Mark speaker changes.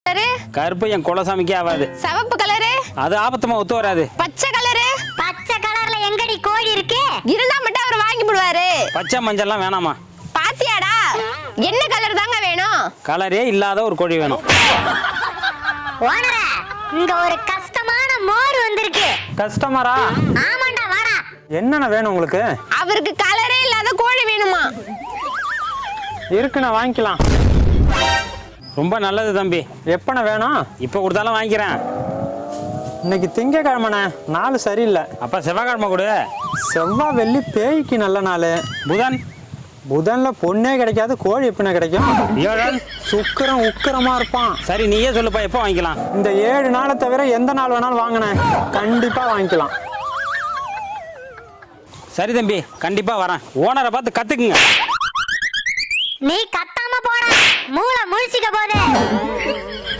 Speaker 1: கருப்பு என் குலசாமிக்கே ஆகாது.
Speaker 2: சிவப்பு கலரு
Speaker 1: அது ஆபத்துமா ஒத்து வராது.
Speaker 2: பச்சை கலரு
Speaker 3: பச்சை கலர்ல எங்கடி கோழி இருக்கு?
Speaker 2: இருந்தா மட்டும் அவர் வாங்கி போடுவாரு.
Speaker 1: பச்சை மஞ்சள்லாம் வேணாமா?
Speaker 2: பாத்தியாடா, என்ன கலர் தாங்க வேணும்?
Speaker 1: கலரே இல்லாத ஒரு கோழி வேணும்.
Speaker 3: ஓனரே, இங்க ஒரு கஷ்டமான மோர் வந்திருக்கு.
Speaker 4: கஸ்டமரா?
Speaker 3: ஆமாண்டா, வாடா.
Speaker 4: என்னென்ன வேணும் உங்களுக்கு?
Speaker 2: அவருக்கு கலரே இல்லாத கோழி வேணுமா?
Speaker 4: இருக்குண்ணா, வாங்கிக்கலாம்.
Speaker 1: ரொம்ப நல்லது தம்பி.
Speaker 4: எப்பண்ண வேணும்?
Speaker 1: இப்போ கொடுத்தாலும் வாங்கிக்கிறேன்.
Speaker 4: இன்னைக்கு திங்கக்கிழமைண்ணே, நாள் சரியில்லை.
Speaker 1: அப்போ செவ்வாய்க்கிழமை கொடு.
Speaker 4: செவ்வாய் வெள்ளி பேய்க்கு நல்ல நாள்.
Speaker 1: புதன்?
Speaker 4: புதன்ல பொண்ணே கிடைக்காது, கோழி எப்படிண்ணே கிடைக்கும்?
Speaker 1: வியாழன்?
Speaker 4: சுக்கிரன் உக்கிரமா இருப்பான்.
Speaker 1: சரி, நீயே சொல்லுப்பா, எப்போ வாங்கிக்கலாம்?
Speaker 4: இந்த 7 நாளை தவிர எந்த நாள் வேணாலும் வாங்கினேன், கண்டிப்பா வாங்கிக்கலாம்.
Speaker 1: சரி தம்பி, கண்டிப்பா வரேன். ஓனரை பார்த்து கத்துக்குங்க.
Speaker 3: நீ கத்தாம போடா, மூளை முழிச்சிக்க போதே.